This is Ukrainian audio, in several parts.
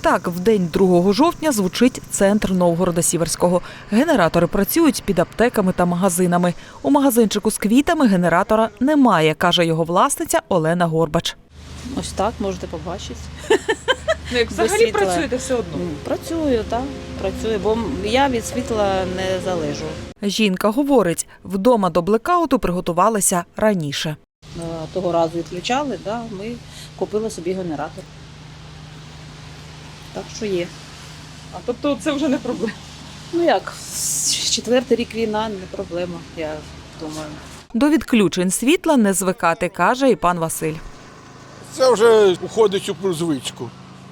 Так, в день 2 жовтня звучить центр Новгорода-Сіверського. Генератори працюють під аптеками та магазинами. У магазинчику з квітами генератора немає, каже його власниця Олена Горбач. Ось так, можете побачити. Як взагалі працюєте все одно? Працюю, так. Працюю, бо я від світла не залежу. Жінка говорить, вдома до блекауту приготувалися раніше. Того разу відключали, ми купили собі генератор. Так що є. А тобто це вже не проблема? Ну як, 4-й рік війна, не проблема, я думаю. До відключень світла не звикати, каже і пан Василь. Це вже входить у звичку.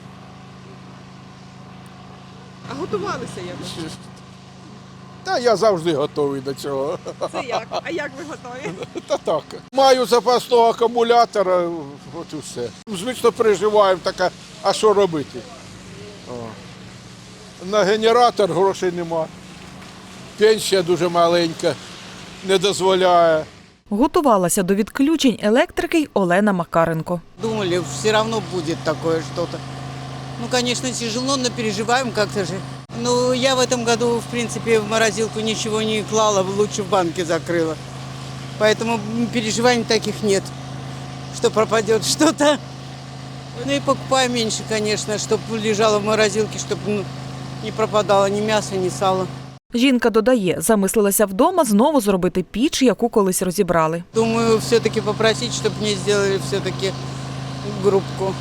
А готувалися якось? Та я завжди готовий до цього. Це як? А як ви готові? Та так. Маю запасного акумулятора, от і все. Звично переживаємо, а що робити? На генератор грошей нема. Пенсія дуже маленька, не дозволяє. Готувалася до відключень електрики й Олена Макаренко. Думали, все равно будет такое что-то. Ну, конечно, тяжело, но переживаем как-то же. Ну, я в этом году, в принципе, в морозилку ничего не клала, лучше в банке закрыла. Поэтому переживаний таких нет, что пропадет что-то. Ну и покупаем меньше, конечно, чтобы лежало в морозилке, чтобы не пропадало ни мясо, ни сало. Жінка додає, замислилася вдома знову зробити піч, яку колись розібрали. Думаю, все-таки попросить, чтобы мне сделали все-таки группку.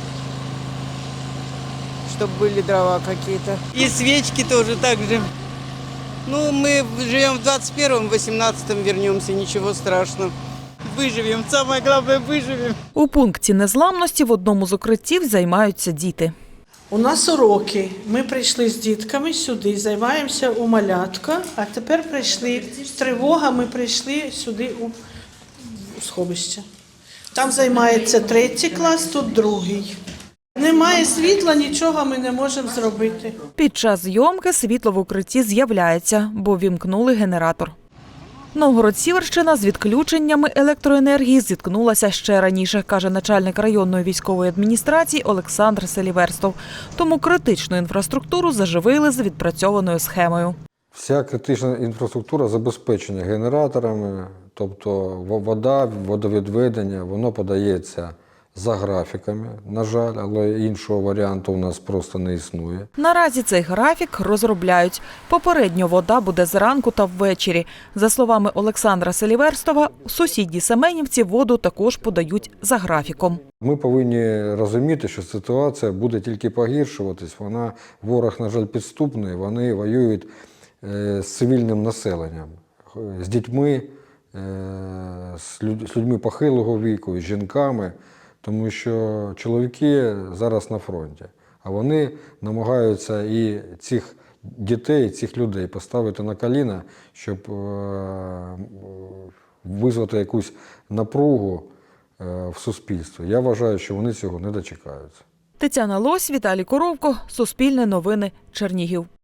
Чтобы были дрова какие-то. И свечки тоже так же. Ну, мы живем в 21-м, в 18-м вернемся, ничего страшного. Выживем, самое главное, выживем. У пункті незламності в одному з укриттів займаються діти. У нас уроки. Ми прийшли з дітками сюди, займаємося у малятка, а тепер прийшли з тривога, ми прийшли сюди у сховище. Там займається 3-й клас, тут 2-й. Немає світла, нічого ми не можемо зробити. Під час зйомки світло в укритті з'являється, бо вімкнули генератор. Новгород-Сіверщина з відключеннями електроенергії зіткнулася ще раніше, каже начальник районної військової адміністрації Олександр Селіверстов. Тому критичну інфраструктуру заживили за відпрацьованою схемою. Вся критична інфраструктура забезпечена генераторами, тобто вода, водовідведення, воно подається за графіками, на жаль, але іншого варіанту у нас просто не існує. Наразі цей графік розробляють. Попередньо вода буде зранку та ввечері. За словами Олександра Селіверстова, у сусідній Семенівці воду також подають за графіком. Ми повинні розуміти, що ситуація буде тільки погіршуватись. Ворог, на жаль, підступний, вони воюють з цивільним населенням, з дітьми, з людьми похилого віку, з жінками. Тому що чоловіки зараз на фронті, а вони намагаються і цих дітей, цих людей поставити на коліна, щоб визвати якусь напругу в суспільстві. Я вважаю, що вони цього не дочекаються. Тетяна Лось, Віталій Коровко, Суспільне новини, Чернігів.